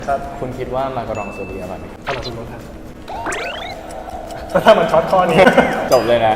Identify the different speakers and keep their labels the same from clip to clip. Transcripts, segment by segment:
Speaker 1: ครับ
Speaker 2: คุณคิดว่ามาการองโซเดียอร่อยไหม
Speaker 1: สำหรับคุณรู้ครับถ้ามันช็อตข้อนี้
Speaker 2: จบเลยนะ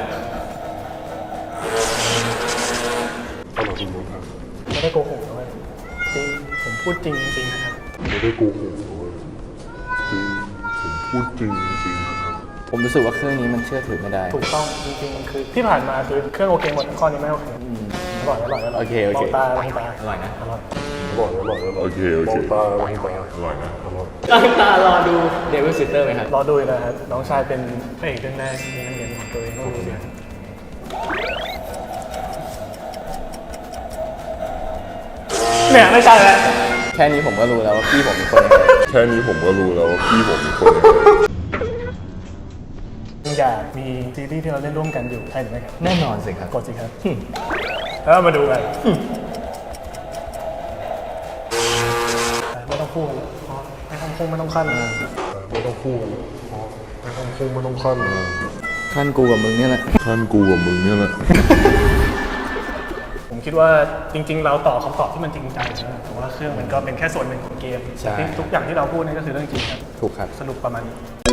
Speaker 3: สำหรับคุณรู้ครับ
Speaker 1: ไม่ได้โกหกนะเว้ยจริงผมพูดจริงจริงนะครับ
Speaker 3: ไม่ได้โกหกเลยจริงผมพูดจริงจริงนะครับ
Speaker 2: ผมรู้สึกว่าเครื่องนี้มันเชื่อถือไม่ได้
Speaker 1: ถูกต้องจริงๆมันคือที่ผ่านมาคือเครื่องโอเคหมดข้อนี้ไม่โอเคอร่อยอร่อยอร่อย
Speaker 2: โอเคโอเค
Speaker 1: มองตามองตา
Speaker 2: อร่อยนะ
Speaker 1: อร่อย
Speaker 3: อร่อยอร่อยอร่อยโอเคโอเคมองตามองตาอร่อยนะอร่อย
Speaker 2: ตั้งตารอดูเดวิลซิสเตอร์ไหมครับ
Speaker 1: รอดูนะครับน้องชายเป็นพระเอกเรื่องแรกมีนักเรียนของตัวเองต้องรู้สิครับเนี่ยไม่ใช่แล้ว
Speaker 2: แค่นี้ผมก็รู้แล้วว่าพี่ผมเป็นคนยังไง
Speaker 3: แค่นี้ผมก็รู้แล้วว่าพี่ผมเป็นคนยังไง
Speaker 1: อยากมีซีรีส์ที่เราเล่นร่วมกันอยู่ใช่หรือไม่ครับ
Speaker 2: แน่นอนสิครับ
Speaker 1: กดสิครับแล้วมาดูกันไม่ต้องพูดไม่ต้องพุ่งไม่ต้องขั้น
Speaker 3: ไม่ต้องพูดไม่ต้องพูดไม่ต้องขั้น
Speaker 2: ขั้นกูกับมึงเนี่ยแหละ
Speaker 3: ขั้นกูกับมึงเนี่ยแหละ
Speaker 1: ผมคิดว่าจริง ๆ เราตอบคำตอบที่มันจริงใจนะแต่ว่าเครื่องมันก็เป็นแค่ส่วนหนึ่งของเกม
Speaker 2: ใช่
Speaker 1: ทุกอย่างที่เราพูดนี่ก็คือเรื่องจริงครับ
Speaker 2: ถูกครับ
Speaker 1: สรุปประมาณนี้